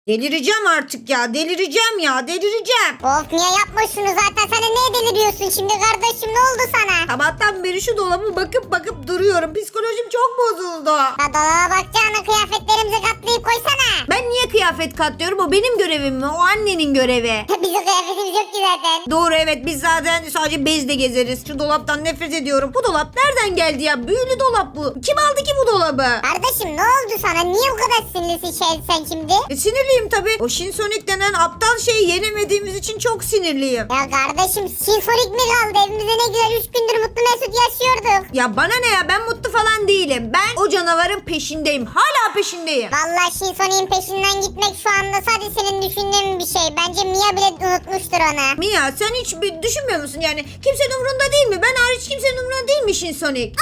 Delireceğim artık ya. Delireceğim ya. Delireceğim. Of niye yapma şunu zaten sen de neye deliriyorsun şimdi kardeşim ne oldu sana? Sabahtan beri şu dolabı bakıp duruyorum. Psikolojim çok bozuldu. Ya dolaba bakacağına kıyafetlerimizi katlayıp koysana. Ben niye kıyafet katlıyorum? O benim görevim mi? O annenin görevi. Bizim kıyafetimiz yok ki zaten. Doğru, evet, biz zaten sadece bezle gezeriz. Şu dolaptan nefret ediyorum. Bu dolap nereden geldi ya? Büyülü dolap bu. Kim aldı ki bu dolabı? Kardeşim ne oldu sana? Niye bu kadar sinirlisin sen şimdi? Sinirliyim tabii. O Shinsonic denen aptal şeyi yenemediğimiz için çok sinirliyim. Ya kardeşim Shinsonik mi kaldı? Evimizde ne güzel 3 gündür mutlu mesut yaşıyorduk. Ya bana ne ya? Ben mutlu falan değilim. Ben o canavarın peşindeyim. Hala peşindeyim. Vallahi Shinsonik'in peşinden gitmek şu anda sadece senin düşündüğün bir şey. Bence Mia bile unutmuştur onu. Mia, sen hiç düşünmüyor musun yani? Kimsenin umurunda değil mi? Ben hariç kimsenin umurunda değil mi Shinsonic?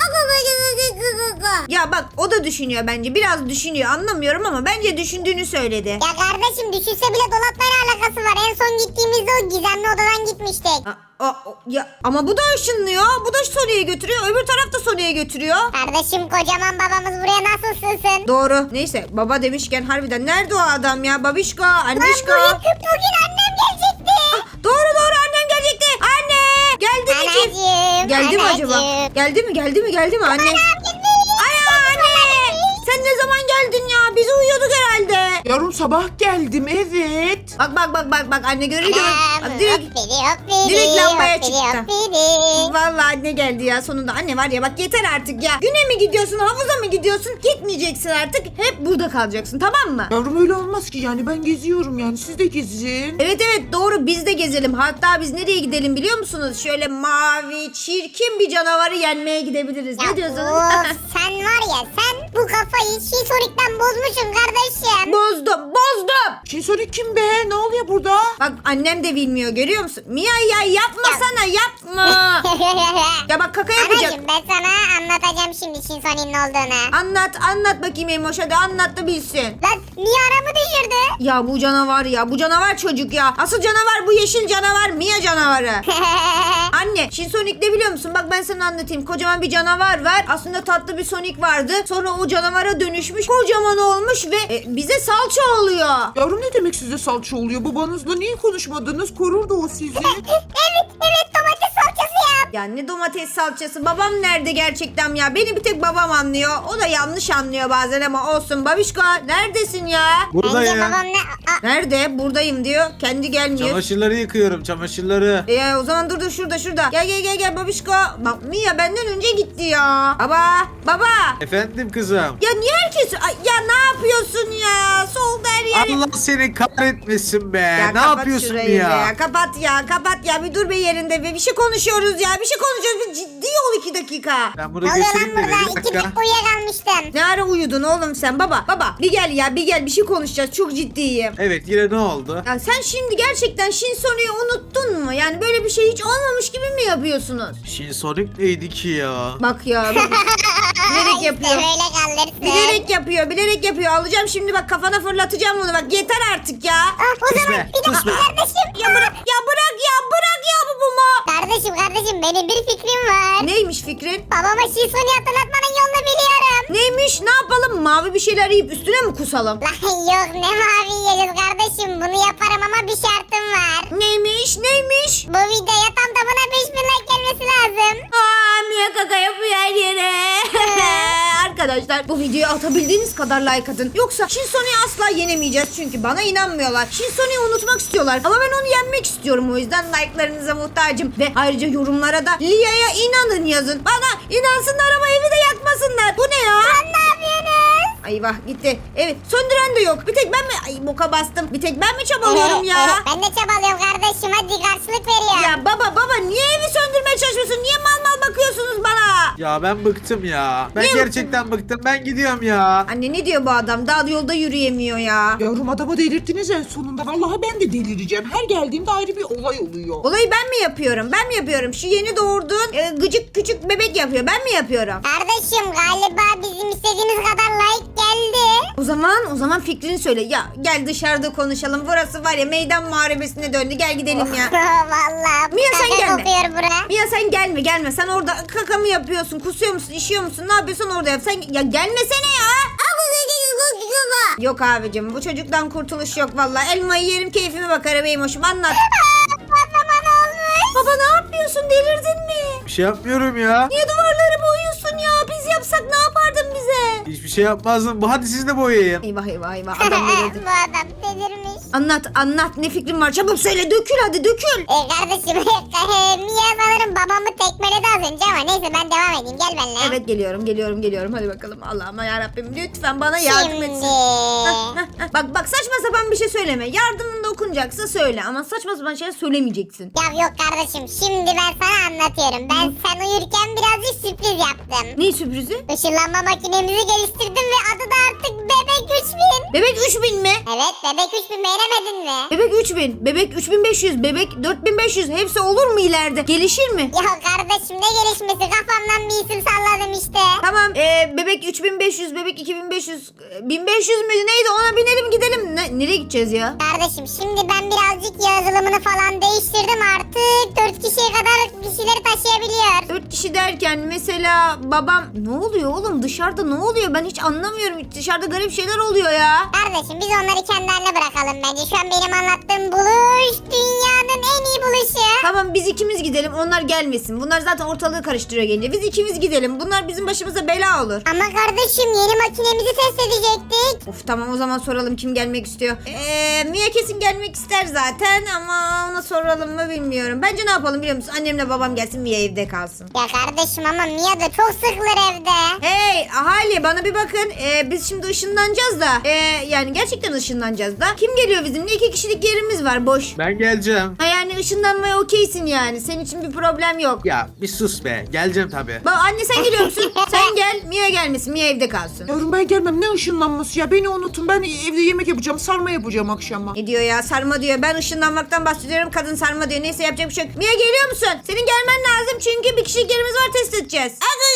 Ya bak, o da düşünüyor bence. Biraz düşünüyor. Anlamıyorum ama bence düşündüğünü söyledi. Ya kardeşim düşünse bile dolaplarla alakası var. En son gittiğimizde o gizemli odadan gitmiştik. Ya ama bu da ışınlıyor. Bu da Sonic'e götürüyor. Öbür taraf da Sonic'e götürüyor. Kardeşim kocaman babamız buraya nasıl sığsın? Doğru. Neyse, baba demişken harbiden nerede o adam ya? Babişko, Lan annişko. bugün annem gelecekti. Doğru, annem gelecekti. Anne! Geldi mi ki? Anacığım. Geldi mi acaba? anacığım. Geldi mi anne? Anam gitmeyin. Anne! Sen ne zaman geldin ya? Biz uyuyorduk herhalde. Yavrum sabah geldim evet. Bak anne görüyor musun? Anam, Direkt hoppidi, direkt lambaya hoppidi, çıktı. hoppidi. Vallahi anne geldi ya sonunda. Anne var ya, bak yeter artık ya. Güne mi gidiyorsun, havuza mı gidiyorsun? Gitmeyeceksin artık. Hep burada kalacaksın, tamam mı? Yavrum öyle olmaz ki yani ben geziyorum yani siz de gezin. Evet doğru, biz de gezelim. Hatta biz nereye gidelim biliyor musunuz? Şöyle mavi, çirkin bir canavarı yenmeye gidebiliriz. Ya Ne diyorsunuz? of, sen var ya sen bu kafayı Shinsonic'ten bozmuşsun kardeşim. Bozdum. Shinsonik kim be? Ne oluyor burada? Bak annem de bilmiyor, görüyor musun? Mia ya yapmasana, yapma. Ya bak kaka yapacak. Anacığım ben sana anlatacağım şimdi Shinsonic'in ne olduğunu. Anlat bakayım Emoş, hadi anlat da bilsin. Lan niye aramı düşürdü? Ya bu canavar çocuk ya. Asıl canavar bu yeşil canavar, Mia canavarı. Anne, Sonic ne biliyor musun? Bak ben sana anlatayım. Kocaman bir canavar var. Aslında tatlı bir Sonic vardı. Sonra o canavara dönüşmüş. Kocaman olmuş ve bize salça oluyor. Yavrum ne demek size salça oluyor? Babanızla niye konuşmadınız? Korurdu o sizi. evet domates salçası yap. Ya ne domates salçası? Babam nerede gerçekten ya? Beni bir tek babam anlıyor. O da yanlış anlıyor bazen ama olsun. Babişko neredesin ya? Bence Buradayım. babam ne... Nerede? Buradayım diyor. Kendi gelmiyor. Çamaşırları yıkıyorum, çamaşırları. O zaman dur şurada. Gel babişko. Bak Mia benden önce gitti ya. Baba. Efendim kızım. Ya niye herkes... Ay, ya ne yapıyorsun ya? Solda her yer... Allah seni kahretmesin be. Ya Ne kapat yapıyorsun şurayı ya? be. Kapat ya. Bir dur be yerinde be. Bir şey konuşuyoruz ya. Bir ciddi ol 2 dakika. Ben Ne bunu oluyor lan götüreyim de burada? bir 2 dakika. dakika uyuyakalmıştım. Ne ara uyudun oğlum sen? Baba. Bir gel ya. Bir şey konuşacağız. Çok ciddiyim. Evet yine ne oldu? Ya sen şimdi gerçekten Shinsonic'i unuttun mu? Yani böyle bir şey hiç olmamış gibi mi yapıyorsunuz? Sonic neydi ki ya? Bak ya. Bilerek yapıyor. İşte böyle kalırsın. Bilerek yapıyor. Alacağım şimdi bak, kafana fırlatacağım bunu. Bak yeter artık ya. O Sus zaman be, bir dakika sus be. kardeşim. Ya bırak bu mu? Kardeşim benim bir fikrim var. Neymiş fikrin? Babama Shinsonic'i hatırlatmanın yolunu biliyorum. Neymiş? Ne yapalım? Mavi bir şeyler yiyip üstüne mi kusalım? Lan yok ne mavi yiyeceğiz kardeşim. Bunu yaparım ama bir şartım var. Neymiş? Bu videoya tam tamına 5000 like gelmesi lazım. Mia kaka yapıyor her yere. Arkadaşlar bu videoyu atabildiğiniz kadar like atın. Yoksa Shinsonic'i asla yenemeyeceğiz. Çünkü bana inanmıyorlar. Shinsonic'i unutmak istiyorlar. Ama ben onu yenmek istiyorum. O yüzden like'larınıza muhtacım. Ve ayrıca yorumlara da Lia'ya inanın yazın. Bana inansınlar ama evi de yakmasınlar. Bu ne ya? Lan ne yapıyorsunuz? Eyvah gitti. Evet, söndüren de yok. Bir tek ben mi? Ay boka bastım. Bir tek ben mi çabalıyorum ya? Ben de çabalıyorum kardeşim hadi karşılık veriyorum. Ya baba niye evi söndürmeye çalışıyorsun? Niye mal bakıyorsunuz bana? Ya ben bıktım ya. Ben Niye gerçekten bıktım. Ben gidiyorum ya. Anne ne diyor bu adam? Daha yolda yürüyemiyor ya. Yavrum adamı delirttiniz en sonunda. Vallahi ben de delireceğim. Her geldiğimde ayrı bir olay oluyor. Olayı ben mi yapıyorum? Şu yeni doğurduğun gıcık küçük bebek yapıyor. Ben mi yapıyorum? Kardeşim galiba bizim istediğimiz kadar like geldi. O zaman fikrini söyle. Ya gel dışarıda konuşalım. Burası var ya meydan muharebesine döndü. Gel gidelim ya. Vallahi Mia, sen kaka gelme. kokuyor bura. Mia sen gelme. Sen orada kaka mı yapıyorsun? Kusuyor musun? İşiyor musun? Ne yapıyorsun orada yap. Sen ya gelmesene ya. Yok abicim bu çocuktan kurtuluş yok vallahi. Elmayı yerim keyfime bakarım Eymoş'um anlat. Patlama ne olmuş? Baba ne yapıyorsun delirdin mi? Bir şey yapmıyorum ya. Niye duvarları boyuyorsun ya? Biz yapsak ne yapardın bize? Hiçbir şey yapmazdım. Hadi siz de boyayın. Eyvah eyvah eyvah adam delirdi. Bu adam delirmiş. Anlat ne fikrin var çabuk söyle dökül hadi dökül. Kardeşim Mia sanırım babamı tekmeledi az önce ama neyse ben devam edeyim gel benimle. Evet geliyorum hadi bakalım Allah'ım yarabbim lütfen bana yardım Şimdi. etsin. Bak saçma sapan bir şey söyleme. Yardımın dokunacaksa söyle ama saçma sapan şeyler söylemeyeceksin. Ya yok kardeşim şimdi ben sana anlatıyorum. Ben sen uyurken birazcık sürpriz yaptım. Ne sürprizi? Işınlanma makinemizi geliştirdim ve adı da artık Bebek 3000. Bebek 3000 mi? Evet Bebek 3000 beğenemedin mi? Bebek 3000, bebek 3500, bebek 4500 hepsi olur mu ileride? Gelişir mi? Ya kardeşim ne gelişmesi kafamdan bir isim salladım işte. Tamam bebek 3500, bebek 2500, 1500 müydü neydi ona binelim gidelim. Nereye gideceğiz ya? Kardeşim şimdi ben birazcık yazılımını falan değiştirdim artık 4 kişiye kadar kişileri taşıyabiliyor. 4 kişi derken mesela babam ne oluyor oğlum dışarıda ne oluyor ben hiç anlamıyorum dışarıda garip şeyler oluyor ya. Kardeşim biz onları kendi haline bırakalım bence. Şu an benim anlattığım buluş dünyanın en iyi buluşu. Tamam biz ikimiz gidelim onlar gelmesin bunlar zaten ortalığı karıştırıyor gelince biz ikimiz gidelim bunlar bizim başımıza bela olur. Ama kardeşim yeni makinemizi test edecektik. Of tamam o zaman soralım kim gelmek istiyor. Mia kesin gelmek ister zaten ama ona soralım mı bilmiyorum. Bence ne yapalım biliyor musun? Annemle babam gelsin Mia evde kalsın. Ya kardeşim ama Mia da çok sıkılır evde. Hey ahali bana bir bakın. Biz şimdi ışınlanacağız da. Yani gerçekten ışınlanacağız da. Kim geliyor bizimle? 2 kişilik yerimiz var boş. Ben geleceğim. Ha yani ışınlanmaya okeysin yani. Senin için bir problem yok. Ya bir sus be. Geleceğim tabii. Bak anne sen geliyor musun? Sen gel. Mia gelmesin. Mia evde kalsın. Yavrum ben gelmem ne ışınlanması ya beni unutun ben evde yemek yapacağım sarma yapacağım akşama. Ne diyor ya sarma diyor. Ben ışınlanmaktan bahsediyorum. Kadın sarma diyor. Neyse yapacak bir şey yok. Mia geliyor musun? Senin gelmen lazım çünkü bir kişilik yerimiz var test edeceğiz.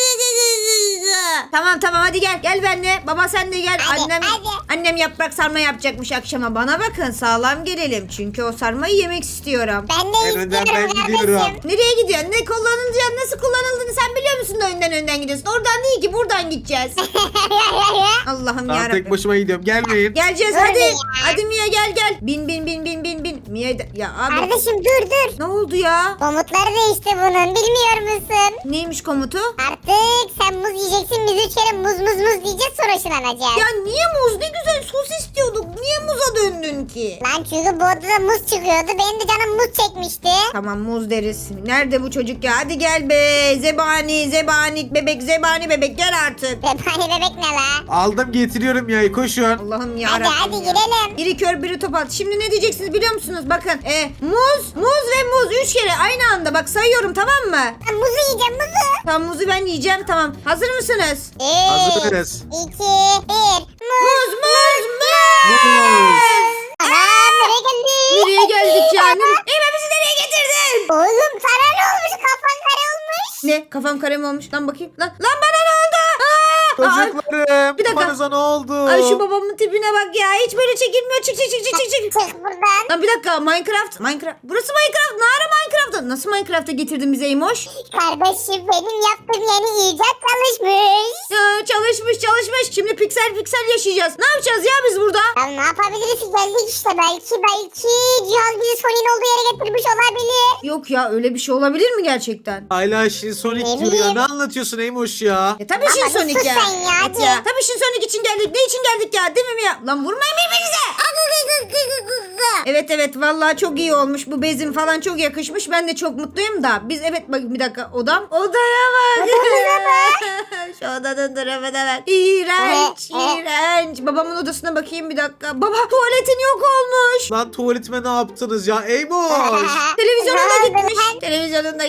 Tamam hadi gel. Gel benimle. Baba sen de gel. Hadi, Annem hadi. annem yaprak sarma yapacakmış akşama. Bana bakın sağlam gelelim. Çünkü o sarmayı yemek istiyorum. Ben de En önden istiyorum ben kardeşim. gidiyorum. Nereye gidiyorsun? Ne kullanılacağını nasıl kullanıldığını sen biliyor musun da önden gidiyorsun. Oradan değil ki buradan gideceğiz. Allah'ım Ben yarabbim. tek başıma gidiyorum. Gelmeyin. Geleceğiz Dur hadi. ya. Hadi Mia gel. Bin. Mia ya abi. Kardeşim dur. Ne oldu ya? Komutları değişti bunun bilmiyor musun? Neymiş komutu? Artık sen muz yiyeceksin biz 3 kere muz diyeceğiz sonra ışınlanacağız. Ya niye muz? Ne güzel sos istiyorduk. Niye muza döndün ki? Lan çünkü bu odada muz çıkıyordu benim de canım muz çekmişti. Tamam muz deriz. Nerede bu çocuk ya? Hadi gel be. Zebani bebek gel artık. Bebek bebek ne la? Aldım getiriyorum ya. Koşun. Allah'ım ya Hadi girelim. Biri kör biri topal. Şimdi ne diyeceksiniz biliyor musunuz? Bakın. Muz ve muz 3 kere aynı anda. Bak sayıyorum tamam mı? Ben muzu yiyeceğim muzu. Tamam muzu ben yiyeceğim tamam. Hazır mısınız? 3, Hazırız. 2, 1. Muz. Muz. Muz. Anam nereye geldik? Nereye geldik yani? Eyvah bizi nereye getirdin? Oğlum sana ne olmuş kafan kare olmuş. Ne? Kafam kare mi olmuş? Lan bakayım. Lan bana ne oldu? Aa! Çocuklarım. Bir dakika. Babanıza ne oldu? Ay şu babamın tipine bak ya. Hiç böyle çekilmiyor. Çık. Çık buradan. Lan bir dakika Minecraft. Burası Minecraft. Ne ara Minecraft'ta? Nasıl Minecraft'a getirdin bizi Eymoş? Kardeşim benim yaptığım yeni icat çalışmış. Çalışmış. Şimdi piksel yaşayacağız. Ne yapacağız ya biz burada? Ya ne yapabiliriz ki geldik işte belki cihaz bizi Sony'nin olduğu yere getirmiş olabilir. Yok ya öyle bir şey olabilir mi gerçekten? Hala Sonic Ne diyor ya. bileyim. Ne anlatıyorsun Eymoş ya? Tabii Ama Shin bir Sonic sus ya. sen ya, Evet hadi. Tabii Shin Sonic için geldik. Ne için geldik ya? Değil mi ya? Lan vurmayın birbirinize. Evet vallahi çok iyi olmuş. Bu bezim falan çok yakışmış. Ben de çok mutluyum da. Biz bak bir dakika odam. Odaya bak. Şu odanın tarafına bak. İğrenç. Babamın odasına bakayım bir dakika. Baba tuvaletin yok olmuş. Lan tuvaletime ne yaptınız ya? Eymoş. Televizyonun da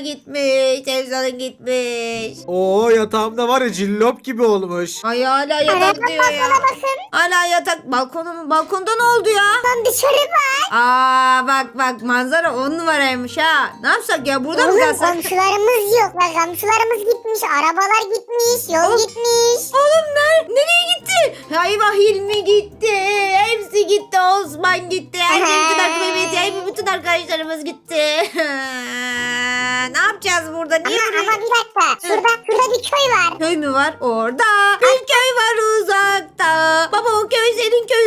gitmiş. Oo yatağımda var ya cillop gibi olmuş. Ay hala yatak diyor ya. Balkona bakın. Hala yatak. Balkonda ne oldu ya? Lan dışarı bak. Aa bak manzara 10 numaraymış ha. Ne yapsak ya burada mı Oğlum kalsak? komşularımız yok. Lan komşularımız gitmiş. Arabalar gitmiş. Yol gitmiş. Oğlum nereye gitti? Eyvah Hilmi gitti. Hepsi gitti. Osman gitti. Bütün arkadaşlarımız gitti. Ne yapacağız burada? Niye Ama buraya? bir dakika. Şurada bir köy var. Köy mü var? Orada. Bir köy var uzakta. Baba o köy senin köyün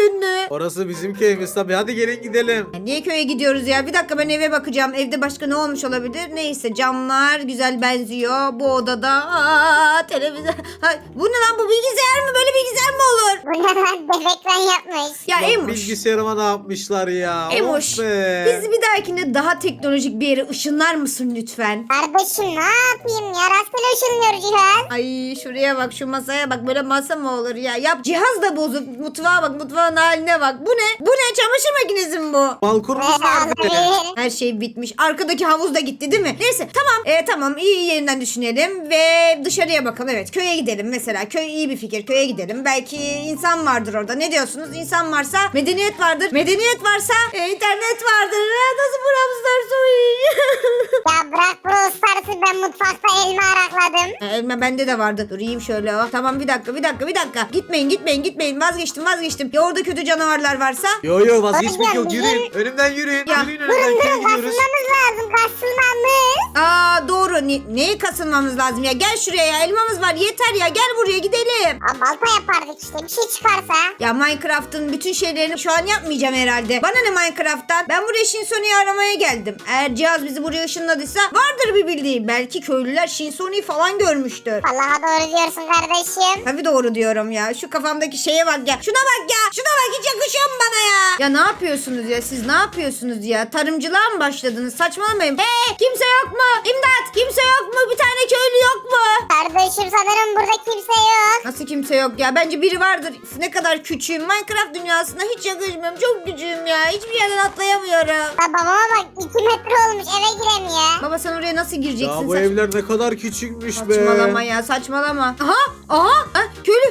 Orası bizim köyümüz tabii. Hadi gelin gidelim. Ya niye köye gidiyoruz ya? Bir dakika ben eve bakacağım. Evde başka ne olmuş olabilir? Neyse camlar güzel benziyor. Bu odada televizyon. Bu ne lan, bu bilgisayar mı? Böyle bilgisayar mı olur? Bu ne lan? Dev ekran yapmış. Ya Bak, Emoş. bilgisayarıma ne yapmışlar ya. Emoş. Of be. Bizi bir dahakinde daha teknolojik bir yere ışınlar mısın lütfen? Kardeşim ne yapayım ya? Rastgele ışınlıyor cihaz. Ay şuraya bak, şu masaya bak, böyle masa mı olur ya? Yap, cihaz da bozuk. Mutfağa bak, mutfağın haline bak. Bu ne? Bu ne? Çamaşır makinesi mi bu? Balkonumuz nerede? Olabilir. Her şey bitmiş. Arkadaki havuz da gitti değil mi? Neyse tamam. Tamam, iyi yerinden düşünelim ve dışarıya bakalım. Evet, köye gidelim mesela. Köy iyi bir fikir. Köye gidelim. Belki insan vardır orada. Ne diyorsunuz? İnsan varsa medeniyet vardır. Medeniyet varsa internet vardır. Nasıl buramızlar Ya bırak Brawl Stars'ı, ben mutfakta elma arakladım. Elma bende de vardı. Dur yiyeyim şöyle. Oh. Tamam, bir dakika. Gitmeyin. Vazgeçtim. Ya orada kötü canavarlar varsa? Yo vazgeçmek yok. Bizim- Yürüyün. Önümden yürüyün. Ya, Yürüyün önümden. Köye gidiyoruz. Kasılmamız lazım, kasılmamız. Aa doğru. Neye kasılmamız lazım ya? Gel şuraya ya. Elmamız var. Yeter ya. Gel buraya gidelim. Aa, balta yapardık işte, bir şey çıkarsa. Ya Minecraft'ın bütün şeylerini şu an yapmayacağım herhalde. Bana ne Minecraft'tan? Ben buraya Shinsoni'yi aramaya geldim. Eğer cihaz bizi buraya ışınladıysa vardır bir bildiği. Belki köylüler Shinsoni'yi falan görmüştür. Allah'a doğru diyorsun kardeşim. Tabii doğru diyorum ya. Şu kafamdaki şeye bak ya. Şuna bak ya. Hiç yakışıyor mu bana ya? Ya ne yapıyorsunuz ya? Siz ne yapıyorsunuz ya? Tarımcılığa mı başladınız? Saçmalamayın. Kimse yok mu? İmdat! Kimse yok mu? Bir tane köylü yok mu? Kardeşim sanırım burada kimse yok. Nasıl kimse yok ya? Bence biri vardır. Ne kadar küçüğüm. Minecraft dünyasına hiç yakışmıyorum. Çok küçüğüm ya. Hiçbir yerden atlayamıyorum. Ya babama bak, 2 metre olmuş, eve giremiyor. Baba sen oraya nasıl gireceksin? Ya bu evler ne kadar küçükmüş be. Saçmalama ya, saçmalama. Aha. Ha, köylü.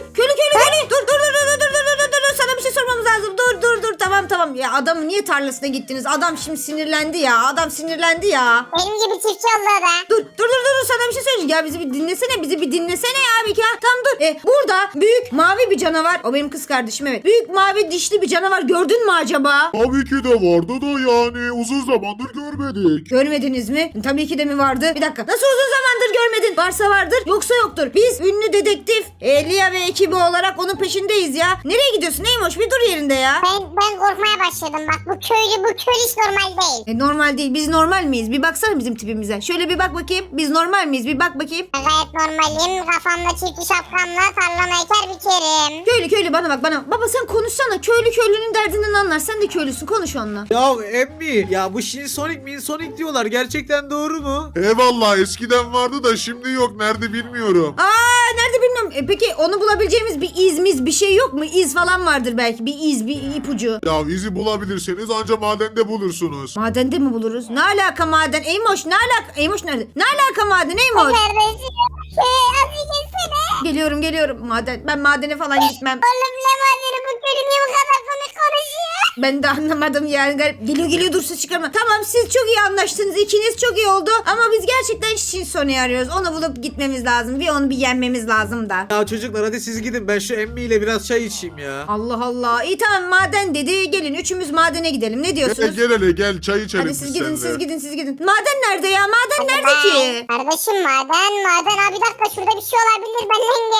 Dur. Sana bir şey sormamız lazım. Dur. Tamam. Ya adamın niye tarlasına gittiniz? Adam şimdi sinirlendi ya. Benim gibi çiftçi oldu o da. Dur. Sana bir şey söyleyeceğim. Ya bizi bir dinlesene ya bir ya. Tamam dur. Burada büyük mavi bir canavar. O benim kız kardeşim, evet. Büyük mavi dişli bir canavar gördün mü acaba? Tabii ki de vardı da yani uzun zamandır görmedik. Görmediniz mi? Tabii ki de mi vardı? Bir dakika. Nasıl uzun zamandır görmedin? Varsa vardır, yoksa yoktur. Biz ünlü dedektif Lia ve ekibi olarak onun peşindeyiz ya. Nereye gidiyorsun Neymoş? Bir dur yerinde ya. Ben korkmaya başladım. Bak bu köylü hiç normal değil. Normal değil. Biz normal miyiz? Bir baksana bizim tipimize. Şöyle bir bak bakayım. Biz normal miyiz? Bir bak bakayım. Ben gayet normalim. Kafamda çiftli şapkamla tarlama eker bikerim. Köylü bana bak. Baba sen konuşsana. Köylünün derdinden anlar. Sen de köylüsün. Konuş onunla. Ya emmi. Ya bu Shinsonic diyorlar. Gerçekten doğru mu? Eyvallah, eskiden vardı da şimdi yok, nerede bilmiyorum. Nerede bilmiyorum. Peki onu bulabileceğimiz bir izmiz bir şey yok mu? İz falan vardır belki. Bir iz, bir ipucu. Ya izi bulabilirseniz anca madende bulursunuz. Madende mi buluruz? Ne alaka maden? Eymoş ne alaka? Eymoş nerede? Ne alaka maden Eymoş? Kardeşim. Hadi gelsene. Geliyorum maden. Ben madene falan gitmem. Oğlum ne madeni, bu köylü niye bu kadar komik konuşuyor? Ben de anlamadım yani. Garip. Geliyor dur, ses çıkarma. Tamam, siz çok iyi anlaştınız. İkiniz çok iyi oldu. Ama biz gerçekten Shinsoni'yi arıyoruz. Onu bulup gitmemiz lazım. Ve onu bir yenmemiz lazım da. Ya çocuklar hadi siz gidin. Ben şu emmiyle biraz çay içeyim ya. Allah. İyi tamam, maden dedi. Gelin üçümüz madene gidelim. Ne diyorsunuz? Gel hele gel, çay içelim Hadi biz siz gidin, seninle. siz gidin. Maden nerede ya? Maden nerede ki? Kardeşim maden. Abi bir dakika, şurada bir şey olabilir,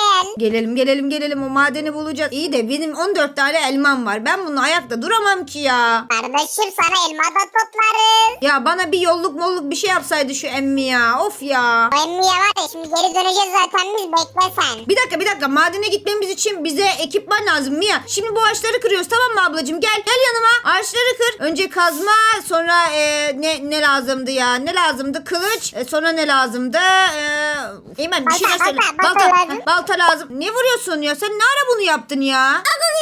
benden gel. Gelelim. O madeni bulacağız. İyi de benim 14 tane elmam var. Ben bunu ayakta duramam ki ya. Kardeşim sana elma da toplarız. Ya bana bir yolluk bir şey yapsaydı şu emmi ya. Of ya. O emmiye var ya, şimdi geri döneceğiz zaten, biz bekle sen. Bir dakika. Madene gitmemiz için bize ekipman lazım Mia. Şimdi bu ağaçları kırıyoruz, tamam mı ablacığım? Gel yanıma. Ağaçları kır. Önce kazma, sonra ne lazımdı ya? Ne lazımdı? Kılıç. Sonra ne lazımdı? Eymen bir şeyler söyle. Balta lazım. Balta lazım. Ne vuruyorsun ya? Sen ne ara bunu yaptın ya?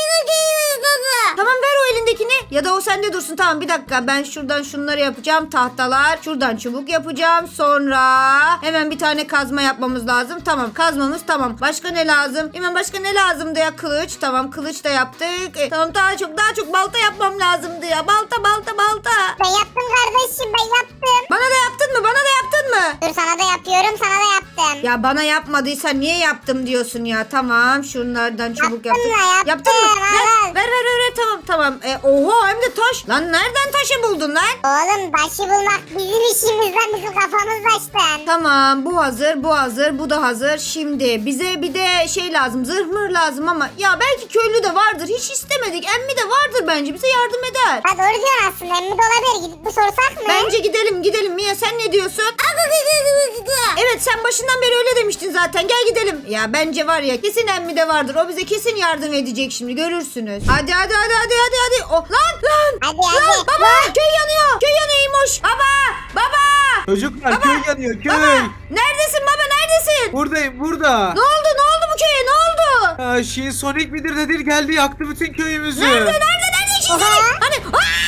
Tamam, ver o elindekini. Ya da o sende dursun. Tamam, bir dakika. Ben şuradan şunları yapacağım. Tahtalar. Şuradan çubuk yapacağım. Sonra hemen bir tane kazma yapmamız lazım. Tamam, kazmamız tamam. Başka ne lazım? Hemen başka ne lazımdı ya? Kılıç. Tamam, kılıç da yaptık. Tamam, daha çok balta yapmam lazımdı ya. Balta. Ben yaptım kardeşim, ben yaptım. Bana da yaptın mı? Dur sana da yapıyorum, sana da yaptım. yaptım. Ya bana yapmadıysa niye yaptım diyorsun ya. Tamam şunlardan çubuk yaptım. Yaptım. Yaptın mı? Al. Ver tamam. Oha hem de taş. Lan nereden taşı buldun lan? Oğlum taşı bulmak bizim işimiz lan. Bizim kafamız taştın. Tamam bu hazır bu da hazır. Şimdi bize bir de şey lazım, zırh mır lazım ama ya belki köylü de vardır, hiç istemedik. Emmi de vardır, bence bize yardım eder. Ha doğru diyorsun aslında. Emmi de olabilir. Gidip bir sorsak mı? Bence gidelim Mia, sen ne diyorsun? Evet sen başından beri öyle demiştin zaten, gel gidelim. Ya bence var ya, kesin Emmi de vardır, o bize kesin yardım edecek, şimdi görürsünüz. Hadi. Oh, lan. Hadi. Baba köy yanıyor İmoş. Baba. Çocuklar köy yanıyor köy. Neredesin baba, neredesin? Buradayım burada. Ne oldu bu köye, ne oldu? Sonic midir nedir geldi yaktı bütün köyümüzü. Nerede şimdi? Hani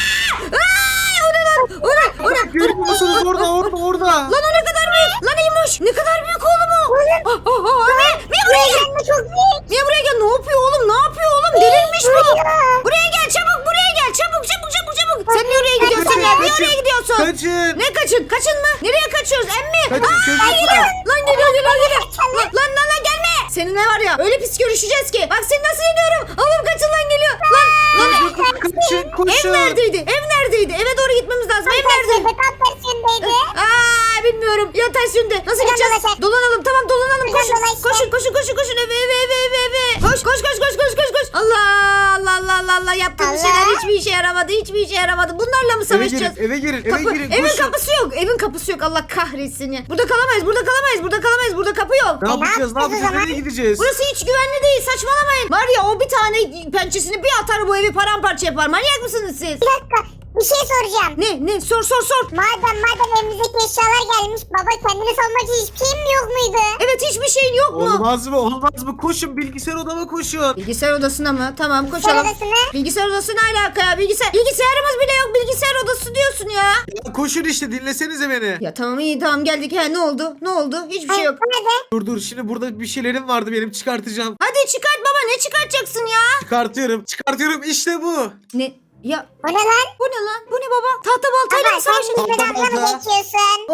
o ne? Görüyor musunuz orada. Lan o ne kadar büyük? Lan İmoş ne kadar büyük oğlum o? Mia buraya gel. Çok büyük. Mia buraya gel. Ne yapıyor oğlum? Delirmiş bu. Buraya gel çabuk. Çabuk. Sen niye oraya gidiyorsun ya? Niye oraya gidiyorsun? Kaçın. Ne kaçın mı? Nereye kaçıyoruz emmi? Kaçın çocuklar. Lan geliyor. Lan gelme. Seninle var ya öyle pis görüşeceğiz ki. Bak seni nasıl yeniyorum. Oğlum kaçın lan geliyor. Lan. Çocuklar kaçın Ev koşun. neredeydi? Eve doğru gitmemiz lazım. Ev nerede? Tam tersindeydi. Bilmiyorum. Ya ters yönde. Nasıl Buradan gideceğiz? dolaşalım. Dolanalım. Tamam dolanalım. Buradan dolaşalım. Koşun. Eve. Koş. Allah. Yaptığımız Allah. şeyler hiçbir işe yaramadı. Bunlarla mı savaşacağız? Eve girin. Evin Koşun. kapısı yok. Allah kahretsin ya. Burada kalamayız. Burada kapı yok. Ne yapacağız? yapacağız o zaman? Nereye gideceğiz? Burası hiç güvenli değil. Saçmalamayın. Var ya o bir tane pençesini bir atar bu evi paramparça yapar. Manyak mısınız siz? Bir dakika. Bir şey soracağım. Ne? Sor. Madem evimizdeki eşyalar gelmiş. Baba kendini savunmak için hiçbir şeyin mi yok muydu? Evet hiçbir şeyin yok mu? Olmaz mı? Koşun bilgisayar odama koşun. Bilgisayar odasına mı? Tamam Bilgisayar koşalım. odasına. Bilgisayar odası ne alaka ya? Bilgisayarımız bile yok. Bilgisayar odası diyorsun ya. Ya koşun işte dinlesenize beni. Ya tamam iyi geldik. Ne oldu? Hiçbir şey yok. Nerede? Dur şimdi burada bir şeylerim vardı benim çıkartacağım. Hadi çıkart baba, ne çıkartacaksın ya? Çıkartıyorum işte bu. Ne? Ya O ne lan? bu ne baba? Tahta baltayla mı Baba sen savaşıyorsun? bizden dalga mı geçiyorsun?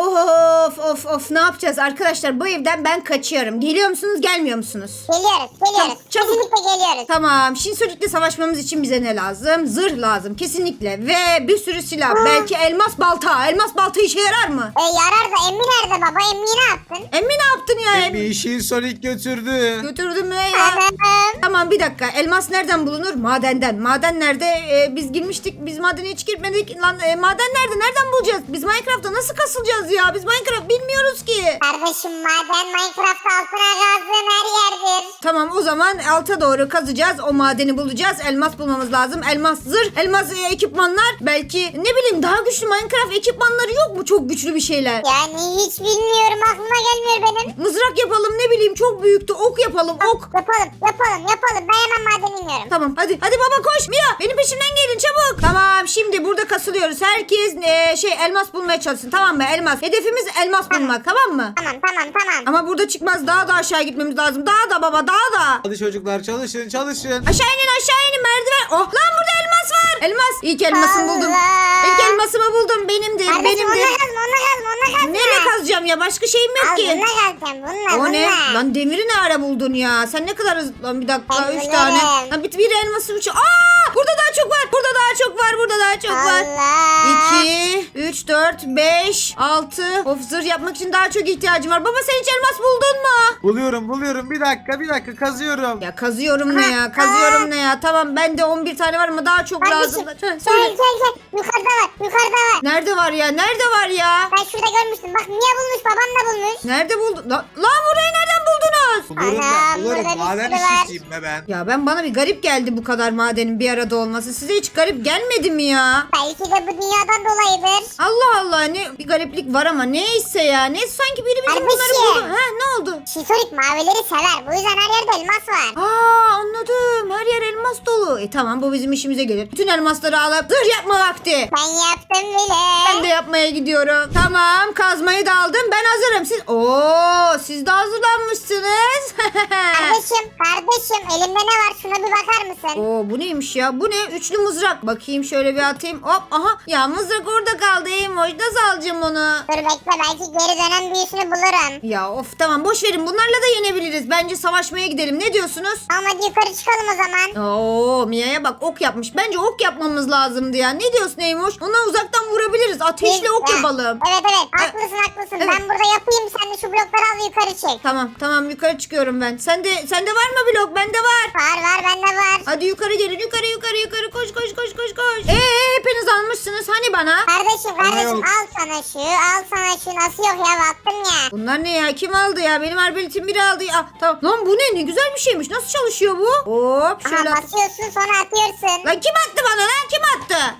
Of ne yapacağız arkadaşlar, bu evden ben kaçıyorum. Geliyor musunuz gelmiyor musunuz? Geliyoruz. Çabuk. Kesinlikle geliyoruz. Tamam, Shinsonic'le savaşmamız için bize ne lazım? Zırh lazım kesinlikle ve bir sürü silah. Belki elmas balta işe yarar mı? Yarar da Emmi nerede baba? Emmi'yi ne yaptın? Emmi ne yaptın ya? Bir işin Sonic götürdü. Götürdün mü ya? Anam. Tamam bir dakika, elmas nereden bulunur? Madenden. Maden nerede? Biz girmiştik, biz madene hiç girmedik. Lan maden nerede? Nereden bulacağız? Biz Minecraft'ta nasıl kasılacağız ya? Biz Minecraft bilmiyoruz ki. Kardeşim maden Minecraft altına kazdığın her yerdir. Tamam o zaman alta doğru kazacağız. O madeni bulacağız. Elmas bulmamız lazım. Elmas zırh, elmas ekipmanlar. Belki ne bileyim daha güçlü Minecraft ekipmanları yok mu? Çok güçlü bir şeyler. Yani hiç bilmiyorum, aklıma gelmiyor benim. Mızrak yapalım, ne bileyim çok büyüktü. Ok yapalım, ok. Yapalım. Ben hemen madene iniyorum. Tamam hadi baba koş. Mia benim peşimden gelin çabuk. Tamam şimdi burada kasılıyoruz. Herkes elmas bulmaya çalışsın, tamam mı? Elmas. Hedefimiz elmas bulmak, tamam mı? Tamam. Ama burada çıkmaz, daha da aşağı gitmemiz lazım. Daha da baba, daha da. Hadi çocuklar çalışın. Aşağı inin merdiven. Oh lan burada elmas var. Elmas. İlk elmasımı buldum. Allah. İlk elmasımı buldum. Benimdir. Kardeşim onunla Benimdir. kazma. Neyle kazacağım ya? Başka şeyim yok Al ki. bununla kazacağım. O ne? Bununla. Lan demiri ne ara buldun ya? Sen ne kadar hızlı... Lan bir dakika, Ben 3 bilirim. tane. Lan bir elması 3. Burada daha çok var. Burada daha çok var. Allah. 2, 3, 4, 5, 6. Of zırh yapmak için daha çok ihtiyacım var. Baba sen hiç elmas buldun mu? Buluyorum. Bir dakika kazıyorum. Ya kazıyorum ne ya? Tamam bende 11 tane var ama daha çok lazım. Kardeşim, Söyle. Gel. Yukarıda var. Nerede var ya? Ben şurada görmüştüm. Bak niye bulmuş? Babam da bulmuş. Nerede buldun? Lan burayı nereden buldunuz? Anam, burada bir Maden sürü var. işçisiyim be ben. Ya bana bir garip geldi bu kadar madenin bir arada olması. Size hiç garip gelmedi mi ya? Belki de bu dünyadan dolayıdır. Allah ne bir gariplik var ama neyse ya. Ne sanki biri bizim bunları Kardeşim. buldu. Ne oldu? Şisorik mavileri sever. Bu yüzden her yerde elmas var. Anladım. Her yer elmas dolu. Tamam bu bizim işimize gelir. Bütün elmasları alıp zırh yapma vakti. Ben yaptım bile. Ben de yapmaya gidiyorum. Tamam kazmayı da aldım. Ben hazırım. Siz de hazırlanmışsınız. Kardeşim elimde ne var? Şuna bir bakar mısın? Oo, bu neymiş ya? Bu ne? Üçlü mızrak. Bakayım şöyle bir atayım. Hop, aha. Ya mızrak orada kaldı Eymoş. Nasıl alacağım onu? Dur bekle, belki geri dönen büyüsünü bulurum. Ya of, tamam boş verin. Bunlarla da yenebiliriz. Bence savaşmaya gidelim. Ne diyorsunuz? Ama hadi yukarı çıkalım o zaman. Oo, Mia'ya bak, ok yapmış. Bence ok yapmamız lazımdı ya. Ne diyorsun Eymoş? Ona uzaktan vurabiliriz. Ateşli ok yapalım. Evet haklısın. Evet. Ben burada yapayım, sen de şu blokları al yukarı çık. Tamam yukarı çıkıyorum ben. Sende var mı blok? Bende var. Var bende var. Hadi yukarı gelin. Yukarı. Koş. Hepiniz almışsınız. Hani bana? Kardeşim yok. al sana şu nasıl yok ya, baktım ya. Bunlar ne ya? Kim aldı ya? Benim arbeletim biri aldı. Ah, tamam. Lan bu ne? Ne güzel bir şeymiş. Nasıl çalışıyor bu? Hop şöyle. Aha, basıyorsun sonra atıyorsun. Lan kim attı bana lan? Kim attı?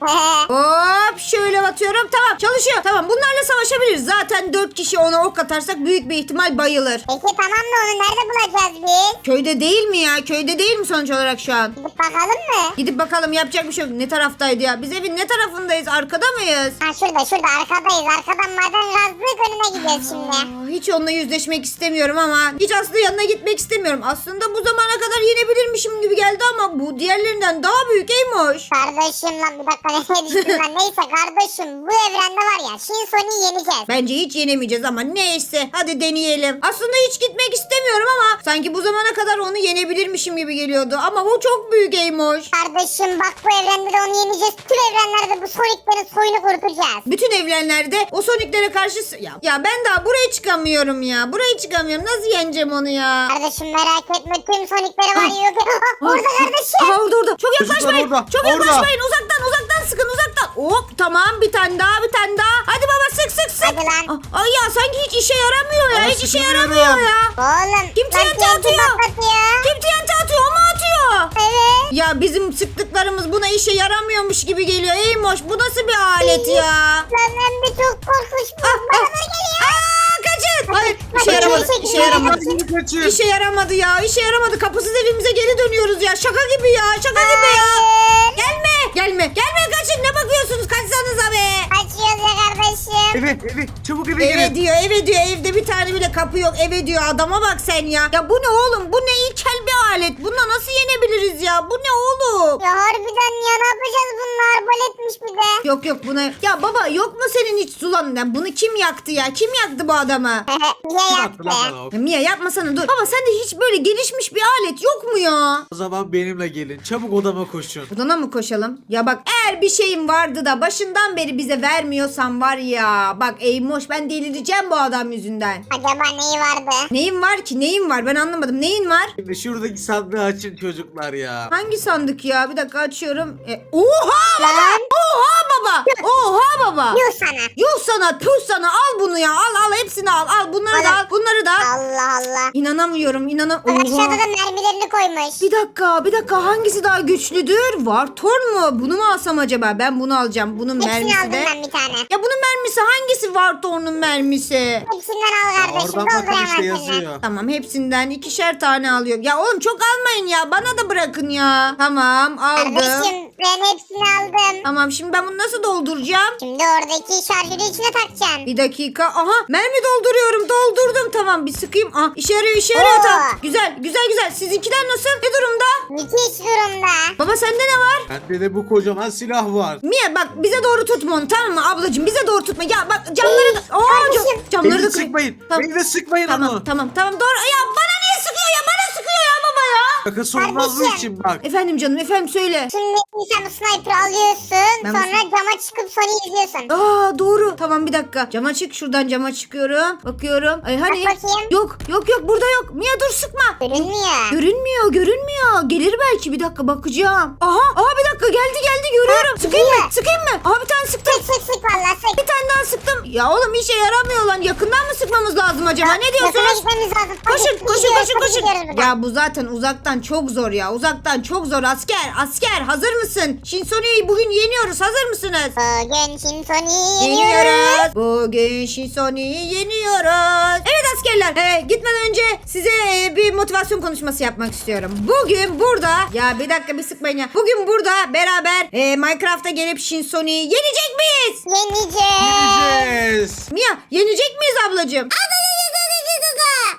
Hop şöyle batıyorum. Tamam çalışıyor. Tamam bunlarla savaşabiliriz. Zaten 4 kişi ona ok atarsak büyük bir ihtimal bayılır. Peki tamam da onu nerede bulacağız biz? Köyde değil mi ya? Köyde değil mi sonuç olarak şu an? Gidip bakalım mı? Gidip bakalım, yapacak bir şey yok. Ne taraftaydı ya? Biz evin ne tarafındayız? Arkada mıyız? Ha şurada arkadayız. Arkadan maden gazlık önüne gidiyoruz şimdi. Hiç onunla yüzleşmek istemiyorum ama hiç Aslı yanına gitmek istemiyorum. Aslında bu zamana kadar yenebilirmişim gibi geldi ama bu diğerlerinden daha büyük Eymoş. Kardeşim lan bir dakika nereye düştün lan? Neyse kardeşim, bu evrende var ya Shinsoni'yi yeneceğiz. Bence hiç yenemeyeceğiz ama neyse hadi deneyelim. Aslında hiç gitmek istemiyorum ama sanki bu zamana kadar onu yenebilirmişim gibi geliyordu. Ama bu çok büyük Eymoş. Kardeşim bak, bu evrende de onu yeneceğiz. Tüm evrenlerde bu Sonic'lerin soyunu kurtulacağız. Bütün evrenlerde o Sonic'lere karşı... Ya ben daha buraya çıkamıyorum ya. Buraya çıkamıyorum. Nasıl yeneceğim onu ya? Kardeşim merak etme, tüm Sonic'leri var ya. Orada kardeşim. Aha orada. Çok Çocuklar yaklaşmayın. orada, Çok orada. yaklaşmayın. Uzaktan sıkın uzaktan. Hop tamam, bir tane daha. Hadi baba sık. Hadi lan. Ay ya sanki hiç işe yaramıyor ya. Ama Hiç işe sıkılıyorum. yaramıyor ya. Oğlum. Kim lan TNT TNT atıyor? patlatıyor. Kim TNT atıyor? O mu atıyor? Evet. Ya bizim sıktıklarımız buna işe yaramıyormuş gibi geliyor. Eymoş bu nasıl bir alet ya? Lan hem de çok korkunç. Bana geliyor. Kaçın. Hayır işe Kaçın, yaramadı. kaçın, İşe yaramadı. Hadi kaçın. İşe yaramadı ya. İşe yaramadı. Kapısız evimize geri dönüyoruz ya. Şaka gibi ya. Şaka gibi ya. Hayır. Gelme kaçın. Ne bakıyorsunuz? Kaçsanıza be. Kaçıyoruz ya kardeşim. Eve çabuk eve Eve girin. diyor. Evde bir tane bile kapı yok. Eve diyor. Adama bak sen ya. Ya bu ne oğlum? Bu ne ilkel bir alet. Bununla nasıl yenebiliriz ya? Bu ne oğlum? Ya harbiden ya, ne yapacağız, bunlar arbaletmiş bir de. Yok buna. Ya baba yok mu senin hiç sulan? Ya bunu kim yaktı ya? Kim yaktı bu adamı? Niye Kim yaptı? attı lan bana ok? Ya Mia yapmasana dur. Baba sende hiç böyle gelişmiş bir alet yok mu ya? O zaman benimle gelin. Çabuk odama koşun. Odana mı koşalım? Ya bak eğer bir şeyim vardı da başından beri bize vermiyorsan var ya. Bak Eymoş ben delireceğim bu adam yüzünden. Acaba neyi vardı? Neyin var ki? Neyin var? Ben anlamadım. Neyin var? Şimdi şuradaki sandığı açın çocuklar ya. Hangi sandık ya? Bir dakika açıyorum. Oha baba! Lan. Oha baba! Oha baba! Yuh sana. Yuh sana, tüh sana. Al bunu ya. Al hepsini al. Al bunları da al. Bunları da al. Allah Allah. İnanamıyorum. Bak aşağıda da mermilerini koymuş. Bir dakika hangisi daha güçlüdür? Vartorn mu? Bunu mu alsam acaba? Ben bunu alacağım. Bunun Hepsini mermisi aldım de. ben bir tane. Ya bunun mermisi hangisi Vartorn'un mermisi? Hepsinden al kardeşim. Oradan bakın Doldur işte hemen yazıyor. Tamam hepsinden 2'şer tane alıyor. Ya oğlum çok almayın ya. Bana da bırakın ya. Tamam aldım. Kardeşim ben hepsini aldım. Tamam şimdi ben bunu nasıl dolduracağım? Şimdi oradaki şarjörü içine takacaksın. Bir dakika. Aha mermi dolduruyorum. Doldurdum. Tamam bir sıkayım. Ah işe yarıyor Oo. tamam. Güzel. Sizinkiler nasıl? Ne durumda? Müthiş durumda. Baba sende ne var? Bende de bu kocaman silah var. Mia bak bize doğru tutma onu tamam mı ablacığım? Bize doğru tutma. Ya bak camları da... kardeşim. Camları Beni da de sıkmayın. Tamam. Beni de sıkmayın onu. Tamam doğru. Ya bana niye sıkıyor ya? Bana sıkıyor ya baba ya. Şakası olmaz bu Kardeşim. için bak. Efendim canım efendim söyle. Şimdi sen bu sniper'ı alıyorsun. Ben sonra cama çıkıp Sony'yi izliyorsun. Aa doğru. Tamam bir dakika. Cama çık şuradan cama çıkıyorum. Bakıyorum. Ay hani? Bak bakayım. Yok burada yok. Mia dur sıkma. Görünmüyor. Görünmüyor. Gelir belki bir dakika bakacağım. Aha bir dakika geldi görüyorum. Sıkayım mı? geliyor. Sıkayım mı? Aha bir tane sıktım. Sık valla sık. Bir tane daha sıktım. Ya oğlum işe yaramıyor lan. Yakından mı sıkmamız lazım acaba? Ne Yakına diyorsunuz? gitmemiz lazım. Hadi, Koşun. gidiyoruz buradan. Ya bu zaten uzaktan çok zor ya. Uzaktan çok zor. Asker hazır mısın? Shinsoni'yi bugün yeniyoruz. Hazır mısınız? Bugün Shinsoni'yi yeniyoruz. Bugün Shinsoni'yi yeniyoruz. Evet askerler. Gitmeden önce size bir motivasyon konuşması yapmak istiyorum. Bugün burada ya bir dakika bir sıkmayın ya. Bugün burada beraber Minecraft'a gelip Shinsoni'yi yenecek miyiz? Yeneceğiz. Gideceğiz. Mia yenecek miyiz ablacığım?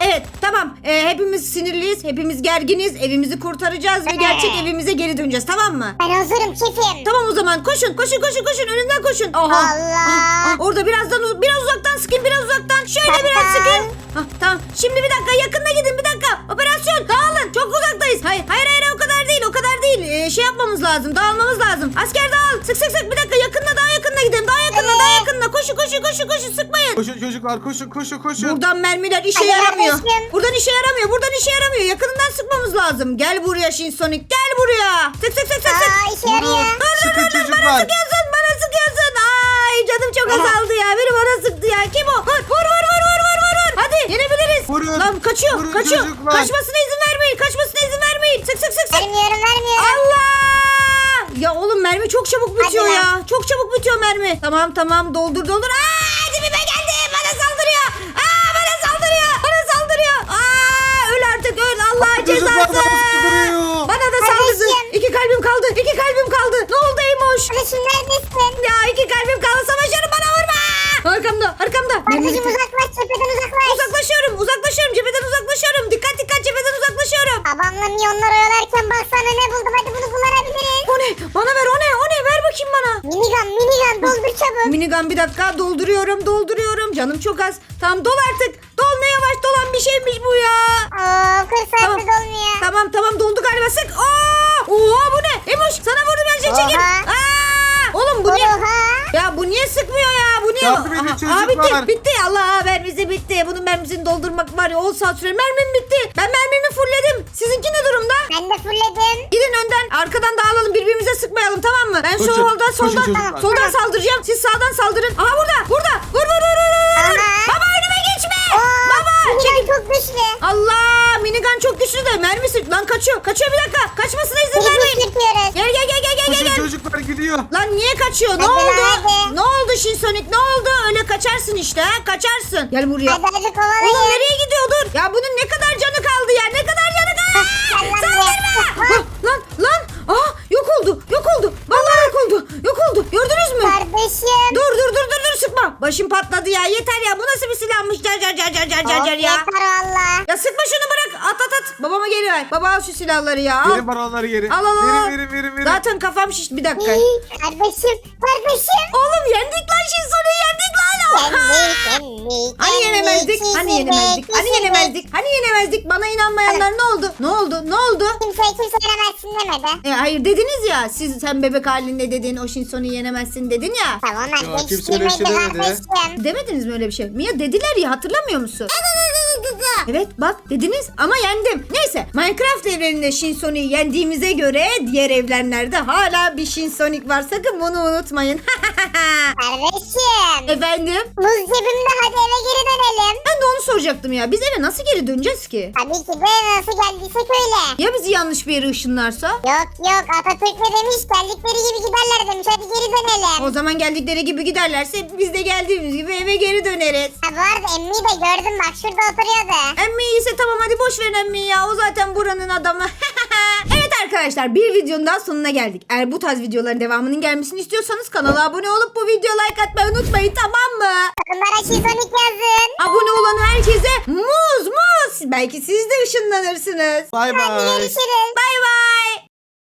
Evet tamam. Hepimiz sinirliyiz. Hepimiz gerginiz. Evimizi kurtaracağız ve gerçek evimize geri döneceğiz, tamam mı? Ben hazırım şefim. Tamam o zaman koşun. Önümden koşun. Oha. Allah. Orada biraz uzaktan sıkın, biraz uzaktan. Şöyle biraz sıkın. Tamam. Şimdi bir dakika yakında gidin, bir dakika. Operasyon dağılın. Çok uzaktayız. Hayır o kadar değil. Şey yapmamız lazım. Dağılmamız lazım. Asker dağıl. Sık. Bir dakika daha yakında gidelim. Daha yakında. Koşun sıkmayın. Koşun çocuklar, koşun. Buradan mermiler işe Hadi yaramıyor. kardeşim. Buradan işe yaramıyor. Yakınından sıkmamız lazım. Gel buraya Shinsonic. Gel buraya. Sık. Aa işe yarıyor. Sıkın çocuklar. Bana sıkıyorsun. Ay canım çok azaldı ya. Biri bana sıktı ya. Kim o? Vur. Hadi yenebiliriz. Vurun. Lan kaçıyor. Vurun Kaçıyor. çocuklar. Kaçmasına izin vermeyin. Sık. Vermiyorum. Allah! Ya oğlum mermi çok çabuk bitiyor Hadi lan. ya. Çok çabuk bitiyor mermi. Tamam doldur. Aa dibime geldi. Bana saldırıyor. Öl artık öl. Allah Çocuklar cezası. bana saldırıyor. Bana da Kardeşim. saldırdı. 2 kalbim kaldı. Ne oldu Eymoş? Kardeşim neredesin? Ya 2 kalbim kaldı. Savaşıyorum, bana vurma. Arkamda. Kardeşim uzaklaş cepheden uzaklaş. Uzaklaşıyorum. Cepheden uzaklaşıyorum. Dikkat cepheden uzaklaşıyorum. Babamla milyonlar oyalarken baksana ne buldum. Hadi bunu kullanabiliriz. O ne? Bana ver o ne? Ver bakayım bana. Minigun doldur çabuk. Minigun bir dakika dolduruyorum. Canım çok az. Tamam dol artık. Dol, ne yavaş dolan bir şeymiş bu ya. Oo 40 saattir Tamam. dolmuyor. Tamam doldu galiba, sık. Oha bu ne? Emoş sana vurdum, her şey çekil. Oha. Oğlum bu niye? Oha. Ya bu niye sıkmıyor ya? Bu niye? Yardım edin çocuklar. Bitti. Allah mermisi bitti. Bunun mermisini doldurmak var ya 10 saat sürer. Mermim bitti. Ben mermimi fullledim. Sizinki ne durumda? Ben de fullledim. Gidin önden, arkadan dağılalım, birbirimize sıkmayalım, tamam mı? Ben Koşun, soldan koşun çocuklar. soldan saldıracağım. Siz sağdan saldırın. Aha burada. Vur. Aha. Baba önüme geçme. Oo, Baba çekil. minigun çok güçlü. Allah, minigun çok güçlü de mermisi lan kaçıyor bir dakika. Kaçmasına izin Biz vermeyin. sürtüyoruz. Gel. Koşun çocuklar, gidiyor. Lan niye kaçıyor? Ne Hadi oldu? hadi. Ne oldu Shinsonic? Ne oldu? Öyle kaçarsın işte ha? Kaçarsın. Gel buraya. Hadi Oğlum kovalayın. nereye gidiyor? Dur. Ya bunun ne kadar canı kaldı ya? Ne kadar canı kaldı? Saldırma. Lan. Yok oldu. Vallahi yok oldu. Gördünüz mü? Kardeşim. Dur sıkma. Başım patladı ya. Yeter ya. Bu nasıl bir silahmış? Car ya. Yeter valla. Ya sıkma şunu, bırak. At. Babama geri ver. Baba al şu silahları ya. Al. Verin bana onları geri. Al. Verin. Zaten kafam şişti. Bir dakika. Kardeşim. Oğlum yendik lan Shinsoni'yi yendik lan. Hani yenemezdik. Bana inanmayanlar ne oldu? Kimse yenemezsin demedi. Hayır dediniz ya. Sen bebek halinde dedin. O Shinsoni'yi yenemezsin dedin ya. Tamam Ya, ben kimse öyle bir şey değiştirmedi demedi. kardeşim. Demediniz mi öyle bir şey? Mia dediler ya, hatırlamıyor musun? Evet bak dediniz ama yendim. Neyse, Minecraft evreninde Shinsonic'i yendiğimize göre diğer evrenlerde hala bir Shinsonic var. Sakın bunu unutmayın. Kardeşim. Efendim? Muz cebimde, hadi eve geri dönelim. Ben de onu soracaktım ya. Biz eve nasıl geri döneceğiz ki? Tabii ki de nasıl geldiysek öyle. Ya bizi yanlış bir yere ışınlarsa? Yok Atatürk ne demiş, geldikleri gibi giderler demiş, hadi geri dönelim. O zaman geldikleri gibi giderlerse biz de geldiğimiz gibi eve geri döneriz. Ha, bu arada emmiyi de gördüm, bak şurada oturuyordu. Emmi iyiyse tamam, hadi boş verin Emmi'yi ya. O zaten buranın adamı. Evet arkadaşlar, bir videonun daha sonuna geldik. Eğer bu tarz videoların devamının gelmesini istiyorsanız kanala abone olup bu videoya like atmayı unutmayın, tamam mı? Bunlara Shinsonic yazın. Abone olan herkese muz. Belki siz de ışınlanırsınız. Bay Hadi bay. görüşürüz. Bay bay.